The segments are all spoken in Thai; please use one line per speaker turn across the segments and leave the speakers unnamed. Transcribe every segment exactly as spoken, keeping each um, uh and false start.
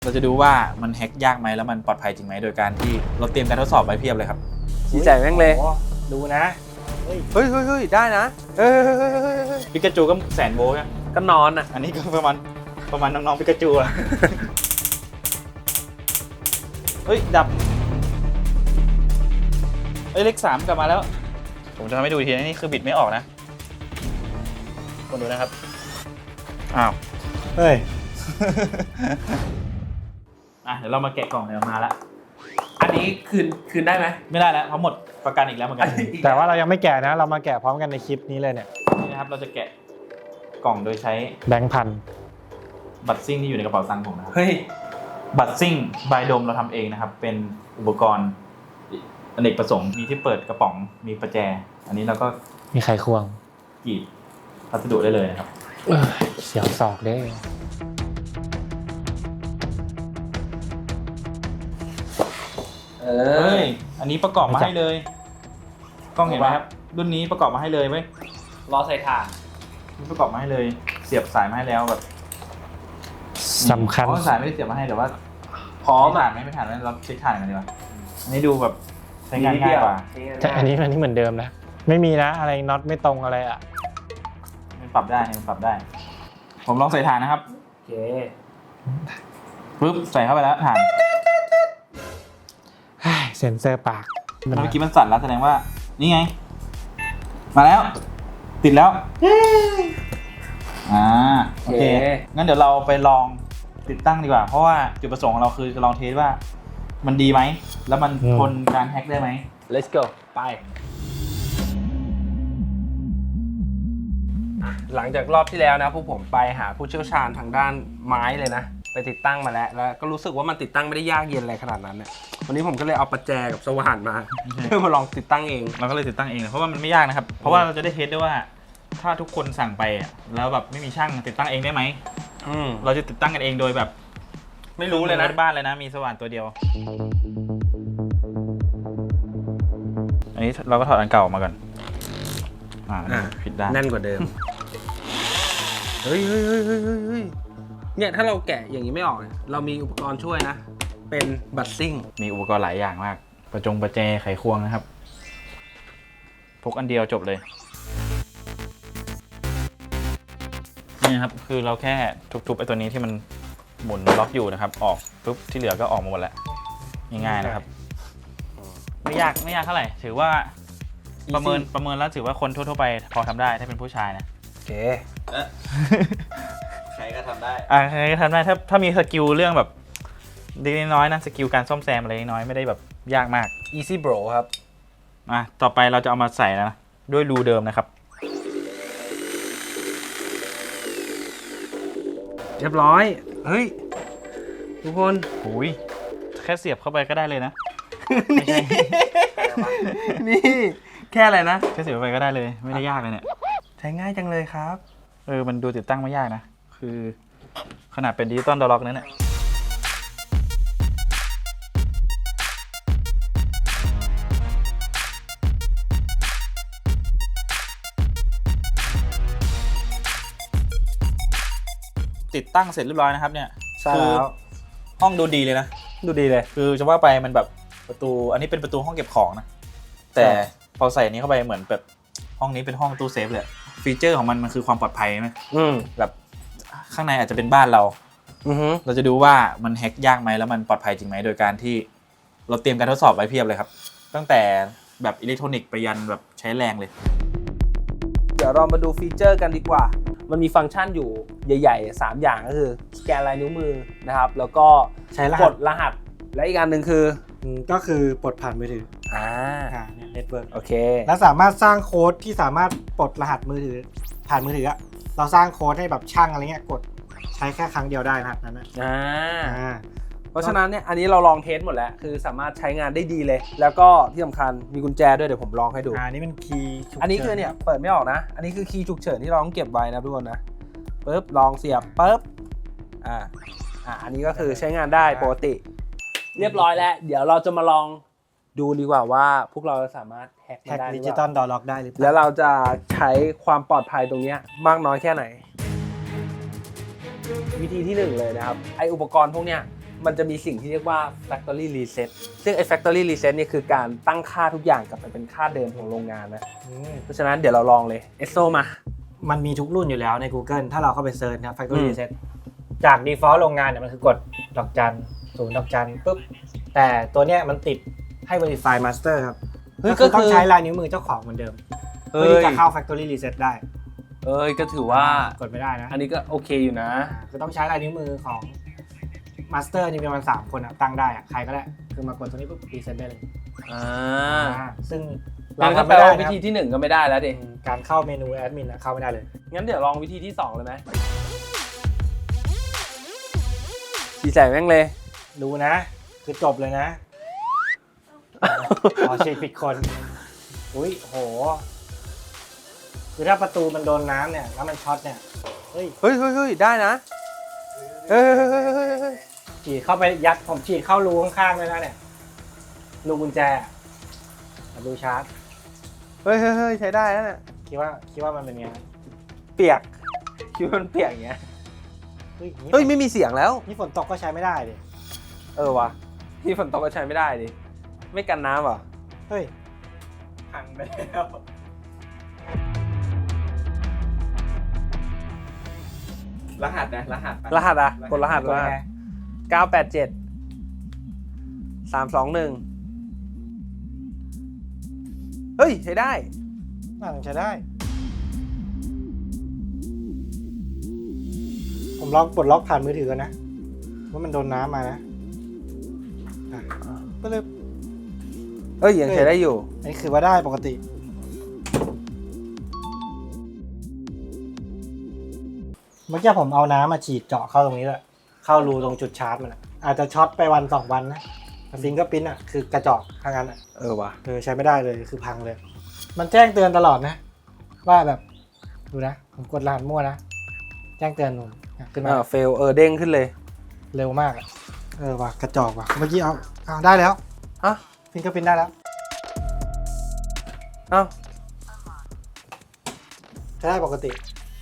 เราจะดูว่ามันแฮ็กยากไหมแล้วมันปลอดภัยจริงไหมโดยการที่เราเตรียมการทดสอบไว้เพียบเลยครับ
ชี้ใจแม่งเลยดูนะ
เฮ้ย
เฮ้ยเฮ้ยเฮ้ยได้นะเฮ้ยเฮ้ยเฮ้ยเฮ้ยเฮ้ย
ปิกาจูก็แสนโวลต์นะ
ก็นอนอ่ะ
อันนี้ก็ประมาณประมาณน้องๆปิกาจูอะ เฮ้ยดับเอ้ยเลขสามกลับมาแล้ว ผมจะทำให้ดูอีกทีนะนี่คือบิดไม่ออกนะคนดูนะครับอ้าว
เฮ้ย
อ่ะเดี๋ยวเรามาแกะกล่องเดี๋ยวมาละ
อันนี้คืนคืนได้ไหม
ไม่ได้แล้วเพราะหมดประกันอีกแล้วเหมือนกัน
แต่ว่าเรายังไม่แกะนะ เรามาแกะพร้อมกันในคลิปนี้เลยเนี่ย
นี่นะครับเราจะแกะกล่องโดยใช้
แบงค์พัน
บัตรซิ่งที่อยู่ในกระเป๋าตังค์ผมนะครับ
เฮ้ย
บัตรซิ่งบายโดมเราทำเองนะครับเป็นอุปกรณ์อเนกประสงค์มีที่เปิดกระป๋องมีประแจ อันนี้เราก็
มีไขควง
กรีดพัสดุได้เลยนะครับ
เออเสียวศอกเด้
เอ
เฮ้
อย
อันนี้ประกอบมาให้เลยกล้องเห็นไหมครับรุ่นนี้ประกอบมาให้เลยเว้ย
รอใส่ถ่าน
นี่ประกอบมาให้เลย เสียบสายมาให้แล้วแบบ
สำคัญ
อ๋อสายไม่ได้เสียบมาให้แต่ว่า
พร้อม
ถ่า
อ่ะ
นไหมไม่ถ่านไหมเราเช็คถ่านกันดีกว่าอันนี้ดูแบบใช้งานง่ายกว่า
แต่อันนี้อันนี้เหมือนเดิมนะ ไม่มีนะ อะไรน็อตไม่ตรงอะไรอ่ะ
มันปรับได้มันปรับได้ ผมลองใส่ถ่านนะครับ
โอเค
ปึ๊บใส่เข้าไปแล้วถ่าน
เซ็นเซอร์ปาก
เมื่อกี้มันสั่นแล้วแสดงว่านี่ไง มาแล้ว ติดแล้วอ่าโอเคงั้นเดี๋ยวเราไปลองติดตั้งดีกว่า เพราะว่าจุดประสงค์ของเราคือจะลองเทสว่ามันดีไหมแล้วมันทนการแฮ็กได้ไหม
let's go ไปหลังจากรอบที่แล้วนะพวกผมไปหาผู้เชี่ยวชาญทางด้านไม้เลยนะไปติดตั้งมาแล้วแล้วก็รู้สึกว่ามันติดตั้งไม่ได้ยากเย็นอะไรขนาดนั้นเนี่ยวันนี้ผมก็เลยเอาประแจกับสว่านมาเพื่อมาลองติดตั้งเอง
เราก็เลยติดตั้งเองเพราะว่ามันไม่ยากนะครับ เพราะว่าเราจะได้เทสได้ว่า ถ้าทุกคนสั่งไปอะแล้วแบบไม่มีช่างติดตั้งเองได้ไหม
อืม
เราจะติดตั้งกันเองโดยแบบ
ไม่รู้เลยนะ
บ้านเลยนะมีสว่านตัวเดียว อันนี้เราก็ถอดอันเก่าออกมาก่อนอ่า
อ่ะ
ผิดด้าน
แน่นกว่าเดิม เฮ้ยเฮ้ยเฮ้ยเฮ้ยเฮ้ยเนี่ยถ้าเราแกะอย่างนี้ไม่ออกเนี่ยเรามีอุปกรณ์ช่วยนะ เป็นบัตรซิ่ง
มีอุปกรณ์หลายอย่างมาก ประจงประแจไขควงนะครับ พกอันเดียวจบเลย นี่นะครับ คือเราแค่ทุบๆไอ้ตัวนี้ที่มันหมุนล็อกอยู่นะครับ ออกปุ๊บที่เหลือก็ออกมาหมดแล้ว ง่ายๆนะครับ ไม่ยากไม่ยากเท่าไหร่ ถือว่าประเมินประเมินแล้วถือว่าคนทั่วๆไปพอทำได้ถ้าเป็นผู้ชายนะ
โอเค
ใครก็ทำได้ อ่าใครก็ทำได้ถ้าถ้ามีสกิลเรื่องแบบเล็กน้อยนะสกิลการซ่อมแซมอะไรน้อยไม่ได้แบบยากมาก
easy bro ครับ
อ่ะต่อไปเราจะเอามาใส่แล้วนะด้วยรูเดิมนะครับ
เรียบร้อย เฮ้ย ทุกคน
หูยแค่เสียบเข้าไปก็ได้เลยนะ
นี่ นี่ แค่อะไรนะ
แค่เสียบเข้าไปก็ได้เลยไม่ได้ยากเลยเนี่ย
ใช้ง่ายจังเลยครับ
เออมันดูติดตั้งไม่ยากนะคือขนาดเป็นดิจิตอลดอลล็อกนั้นเนี่ยติดตั้งเสร็จเรียบร้อยนะครับเนี่ย
ใช่แล้ว
ห้องดูดีเลยนะ
ดูดีเลย
คือจะว่าไปมันแบบประตูอันนี้เป็นประตูห้องเก็บของนะแต่พอใส่อันนี้เข้าไปเหมือนแบบห้องนี้เป็นห้องตู้เซฟเลยฟีเจอร์ของมันมันคือความปลอดภัยไหม
อืม
แบบข้างในอาจจะเป็นบ้านเรา
อือฮึ
เราจะดูว่ามันแฮ็กยากไหมแล้วมันปลอดภัยจริงไหมโดยการที่เราเตรียมการทดสอบไว้เพียบเลยครับตั้งแต่แบบอิเล็กทรอนิกส์ไปยันแบบใช้แรงเลย
เดี๋ยวเรามาดูฟีเจอร์กันดีกว่า มันมีฟังก์ชันอยู่ใหญ่ๆสามอย่างก็คือสแกนลายนิ้วมือนะครับ แล้วก็
ใช้ร
ก
หัส
ดรหัส และอีกอันหนึ่งคือ
อืมก็คือปลดผ่านมือถือ
อ่า
อ่าเนี่ยเน็ตเวิร์ก
โอเค
แล้วสามารถสร้างโค้ดที่สามารถปลดรหัสมือถือ ผ่านมือถืออะเราสร้างโค้ดให้แบบช่างอะไรเงี้ยกดใช้แค่ครั้งเดียวได้รหัสนั้นนะ
อ่า
อ่า
เพราะฉะนั้นเนี่ยอันนี้เราลองเทสหมดแล้ว คือสามารถใช้งานได้ดีเลย แล้วก็ที่สำคัญมีกุญแจด้วยเดี๋ยวผมลองให้ดู
อ่านี่เป็นคีย์ฉุกฉิ
อันนี้คือเนี่ยเปิดไม่ออกนะ อันนี้คือคีย์ฉุกเฉินที่เราต้องเก็บไว้นะทุกคนนะปึ๊บลองเสียบปึ๊บอ่าอ่าอันนี้ก็คือใช้งานได้ปกติ เรียบร้อยแล้ว เดี๋ยวเราจะมาลองดูดีกว่าว่าพวกเราจะสามารถแฮ็กมัน
แฮ็ก
ได้หรื
ดิ
อ
จิ
เป
ตอ
ล่า
ลดอลล็อกได้หรือเป
แล้
ล่า
วเราจะใช้ความปลอดภัยตรงเนี้ยมากน้อยแค่ไหน วิธีที่หนึ่งเลยนะครับไออุปกรณ์พวกเนี้ยมันจะมีสิ่งที่เรียกว่า factory reset ซึ่งไอ้ factory reset เนี่ยคือการตั้งค่าทุกอย่างกลับไปเป็นค่าเดิมของโรงงานนะ
อืม
เพราะฉะนั้นเดี๋ยวเราลองเลย เอส โอ มา
มันมีทุกรุ่นอยู่แล้วใน Google ถ้าเราเข้าไปเซิร์ชนะ Factory
อืม
Reset จาก default โรงงานเนี่ยมันคือกดดอกจันศูนย์ดอกจันปุ๊บแต่ตัวเนี้ยมันติดให้ verify master ครับ
เฮ้ย
ก็คือ
ก็คือ
ต้องใช้ลายนิ้วมือเจ้าของเหมือนเดิม
เฮ้
เพื่อที่
ย
จะเข้า Factory Reset ได้
เอ้ยก็ถือว่า
กดไม่ได้นะ
อันนี้ก็โอเคอยู่นะ
อ่าคือต้องใช้ลายนิ้วมือของ master นี่มีประมาณสามคนอะตั้งได้อะใครก็ได้คือมากดตัวนี้ปุ๊บ reset ได้เลย
อ่า
อ่าซึ่ง
เราก็
ทำ
แปล
ไม่ได้
ว่า
นะ
วิ
ครับ
ธีที่หนึ่งก็ไม่ได้แล้วดิ
อืมการเข้าเมนูแอดมินอะเข้าไม่ได้เลย
งั้นเดี๋ยวลองวิธีที่สองเลยไหมดีใจแม่งเลย
ดูนะ คือจบเลยนะ อ๋อเช็คผิดคน อุ้ยโห คือถ้าประตูมันโดนน้ำเนี่ย แล้วมันช็อตเนี่ย เฮ้ย
เฮ้ยเฮ้ยเฮ้ยได้นะ เฮ้ยเฮ้ยเฮ้ยเฮ้ยเฮ้ย
ฉีดเข้าไปยัด ผมฉีดเข้ารูข้างๆเลยนะเนี่ย รูกุญแจอะกับรูชาร์จ
เฮ้ยเฮ้ยเฮ้ยใช้ได้แล้วเนี่ย
คิดว่า คิดว่ามันเป็นไง
เปียก คิดว่ามันเปียกอย่างเงี้ย
เฮ้ยนี่
เฮ้ยไม่มีเสียงแล้ว
นี่ฝนตกก็ใช้ไม่ได้ดิ
เออวะที่ฝนตกก็ใช้ไม่ได้ดิ ไม่กันน้ำเหรอ
เฮ้ย พังไปแล้ว
รหัสนะรหัส
รหัสอะกดรหัส
กด
รหัส
ไง
เก้าแปดเจ็ดสามสองหนึ่งเฮ้ยใช้ได้
น่าจะใช้ได้ ผมลองปลดล็อกผ่านมือถือกันนะ ว่ามันโดนน้ำมานะอ่ะก็เลย
เอ้ยยังใช้ได้อยู่
อันนี้คือว่าได้ปกติ เมื่อกี้ผมเอาน้ำมาฉีดเจาะเข้าตรงนี้แหละเข้ารูตรงจุดชาร์จมันอะอาจจะช็อตไปวันสองวันนะฟิงเกอร์พิ้นอ่ะคือกระจอกทางนั้นอ่ะ
เออวะ
เออใช้ไม่ได้เลยคือพังเลย มันแจ้งเตือนตลอดนะ ว่าแบบดูนะ ผมกดรหัสมั่วนะ แจ้งเตือนผมอ่ะขึ้นมา
อ่าเฟลเออเด้งขึ้นเลย
เร็วมากอะเออว่ะกระจอกว่ะเมื่อกี้เอาเอาได้แล้ว
ฮะ
ฟิงเกอร์พิ้นได้แล้ว
เอ้า
ใช้ได้ปกติ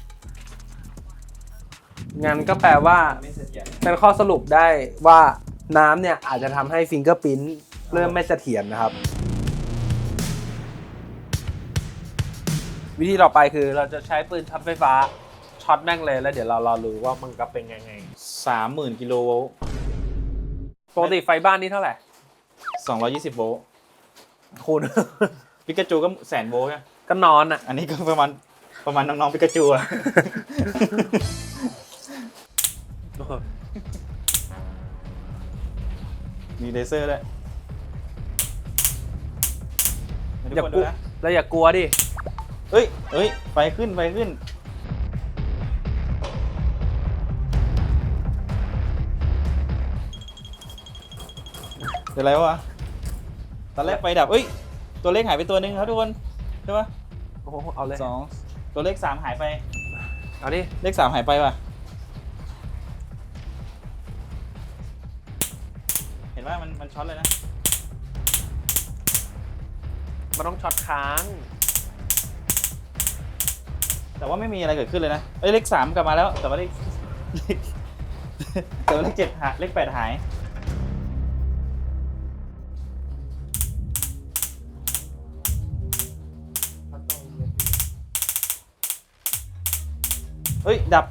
งั้นก็แปลว่าเป็นข้อสรุปได้ว่าน้ำเนี่ยอาจจะทำให้ฟิงเกอร์พิ้นเริ่มไม่เสถียรนะครับ วิธีต่อไปคือเราจะใช้ปืนช็อตไฟฟ้าช็อตแม่งเลยแล้วเดี๋ยวเรารอรู้ว่ามันก็เป็นยังไง
สามหมื่นกิโลโวลต์
ปกติไฟบ้านนี่เท่าไหร่
สองร้อยยี่สิบโวลต์
คุณ
ปิกาจูก็แสนโวลต์ไง
ก็นอนอ่ะ
อันนี้ก็ประมาณประมาณน้องๆปิกาจูอะ มีเลเซอร์ด้วยให้ทุ
อย่าก
คน
ก
ดู
ลัว
นะ
แล้วอย่ากลัวดิ
เอ้ยเอ้ย ไฟขึ้น ไฟขึ้น เป็นไรวะ ตอนแรกไฟดับ เอ้ย ตัวเลขหายไปตัวหนึ่งครับทุกคน ใช่ปะ
โอ้โหเอาเลย
สอง ตัวเลขสามหายไป
เอาดิ
เลขสามหายไปว่ะ เห็นว่ามันมันช็อตเลยนะ
มันต้องช็อตค้าง
แต่ว่าไม่มีอะไรเกิดขึ้นเลยนะ เอ้ยเลขสามกลับมาแล้ว แต่ว่าเลข แต่ว่าเลขเจ็ดหายเลขแปดหาย เฮ้ย ดับ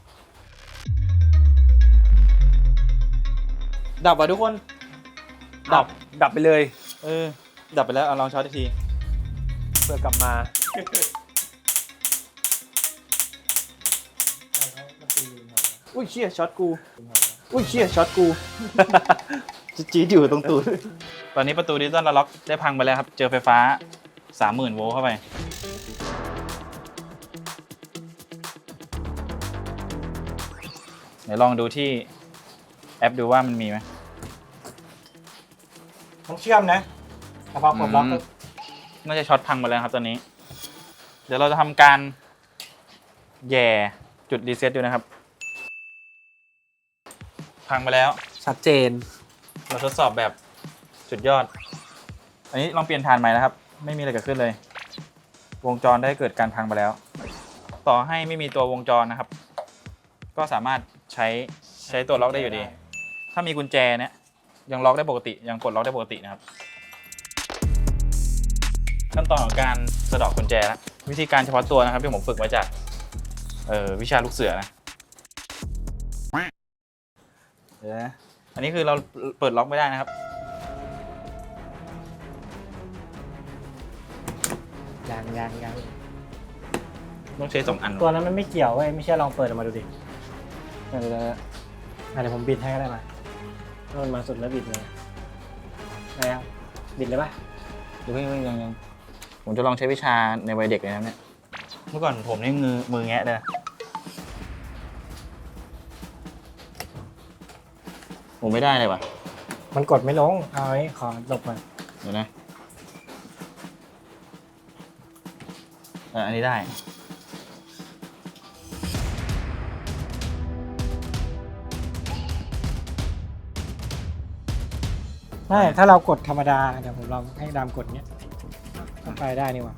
ดับว่ะทุกคน ดับ
ดับไปเลย
เออ ดับไปแล้วเอาลองช็อตอีกที
เพื่อกลับมา
อุ้ยเชี่ยช็อตกู อุ้ยเชี่ยช็อตกู จะจี๊ดอยู่ตรงตูด ตอนนี้ประตูดิจิตอลล็อกได้พังไปแล้วครับ เจอไฟฟ้า สามหมื่น โวลต์เข้าไป เดี๋ยวลองดูที่แอปดูว่ามันมีไหม
ต้องเชื่อมนะแต่พอกดล็อก
อืม
ปุ๊บ
น่าจะช็อตพังหมดแล้วครับตอนนี้ เดี๋ยวเราจะทำการแย่จุดรีเซ็ตดูนะครับ พังไปแล้ว
ชัดเจน
เราทดสอบแบบสุดยอด อันนี้ลองเปลี่ยนฐานใหม่นะครับ ไม่มีอะไรเกิดขึ้นเลย วงจรได้เกิดการพังไปแล้ว ต่อให้ไม่มีตัววงจรนะครับ ก็สามารถใช้ใช้ตัวล็อกได้อยู่ดีถ้ามีกุญแจเนี่ยยังล็อกได้ปกติยังปลดล็อกได้ปกตินะครับขั้นตอนของการสะเดาะกุญแจแล้ววิธีการเฉพาะตัวนะครับที่ผมฝึกมาจากเอ่อวิชาลูกเสือนะเดี๋ยวนะอันนี้คือเราเปิดล็อกไม่ได้นะครับ
ยังยังยัง
ต้องใช้สองอัน
ตัวนั้นมันไม่เกี่ยวเว้ยไม่ใช่ลองเปิดออกมาดูดิ
เดี๋ยว
อ่ะเดี๋ยวผมบิดให้ก็ได้มาถ้ามันมาสุดแล้วบิดเลยอะไรครับบิดเลยปะ
เดี๋ยวเพิ่งเพิ่งยังยังผมจะลองใช้วิชาในวัยเด็กเลยนะเนี่ยเมื่อก่อนผมนี่มือมือแงะเลยนะผมไม่ได้เลยว่ะ
มันกดไม่ลงเอาไว้ขอหลบมา
เดี๋ยวนะเอออันนี้ได้
ใช่ถ้าเรากดธรรมดาเดี๋ยวผมลองให้ดามกดเนี้ยก็ไปได้นี่หว่า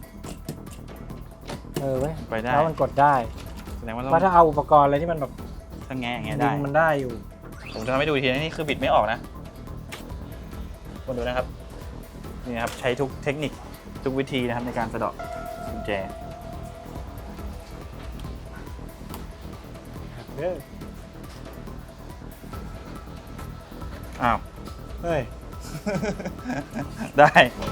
เออเว้ย
ไปได้
แล้วมันกดได้
แสดงว่า
ว่า
ต้
ถ้า
อง
เอาอุปกรณ์อะไรที่มันแบบ
ถ้าแงะอย่างเงี้ย
ดึ
ได้
งมันได้อยู่
ผมจะทำให้ดูอีกทีนะนี่คือบิดไม่ออกนะคนดูนะครับนี่นะครับใช้ทุกเทคนิคทุกวิธีนะครับในการสะเดาะกุญแจ
เด้อ
อ้าว
เฮ้ย
ได้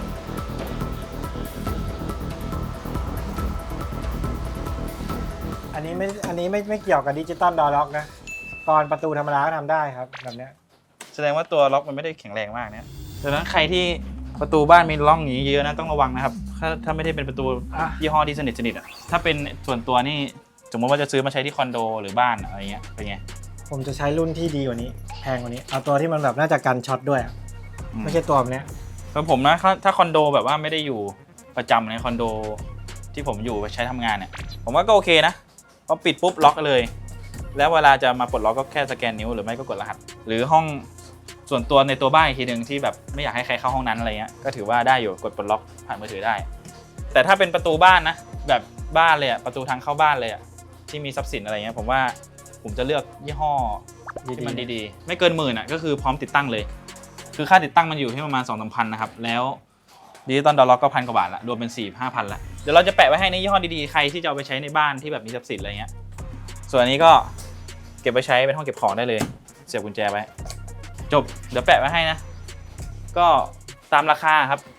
อันนี้ไม่อันนี้ไม่ไม่เกี่ยวกับดิจิตอลดอร์ล็อกนะตอนประตูธรรมดาก็ทำได้ครับแบบเนี้ย
แสดงว่าตัวล็อกมันไม่ได้แข็งแรงมากเนี่ยดังนั้นใครที่ประตูบ้านมีร่องอย่างนี้เยอะนะต้องระวังนะครับถ้าถ้าไม่ได้เป็นประตูยี่ห้อที่สนิทสนิทอ่ะถ้าเป็นส่วนตัวนี่สมมติว่าจะซื้อมาใช้ที่คอนโดหรือบ้านอะไรเงี้ยเป็นไง
ผมจะใช้รุ่นที่ดีกว่านี้แพงกว่านี้เอาตัวที่มันแบบน่าจะกันช็อตด้วยอะไม่ใช่ตัวแบบเนี้ย
สำหรับผมนะถ้าถ้าคอนโดแบบว่าไม่ได้อยู่ประจำในคอนโดที่ผมอยู่ใช้ทำงานเนี่ยผมว่าก็โอเคนะพอปิดปุ๊บล็อกเลย แล้วเวลาจะมาปลดล็อกก็แค่สแกนนิ้วหรือไม่ก็กดรหัสหรือห้องส่วนตัวในตัวบ้านอีกทีหนึ่งที่แบบไม่อยากให้ใครเข้าห้องนั้นอะไรเงี้ยก็ถือว่าได้อยู่กดปลดล็อกผ่านมือถือได้ แต่ถ้าเป็นประตูบ้านนะแบบบ้านเลยอะประตูทางเข้าบ้านเลยอะที่มีทรัพย์สินอะไรเงี้ยผมว่าผมจะเลือกยี่ห้อที่มันดีๆไม่เกินหมื่นอะก็คือพร้อมติดตั้งเลยคือค่าติดตั้งมันอยู่ที่ประมาณสองสามพันนะครับแล้วดิจิตอลดอลล็อกก็พันกว่าบาทละรวมเป็นสี่ห้าพันละเดี๋ยวเราจะแปะไว้ให้ในยี่ห้อดีๆใครที่จะเอาไปใช้ในบ้านที่แบบมีทรัพย์สินอะไรเงี้ยส่วนอันนี้ก็เก็บไปใช้เป็นห้องเก็บของได้เลยเสียบกุญแจไว้จบเดี๋ยวแปะไว้ให้นะก็ตามราคาครับ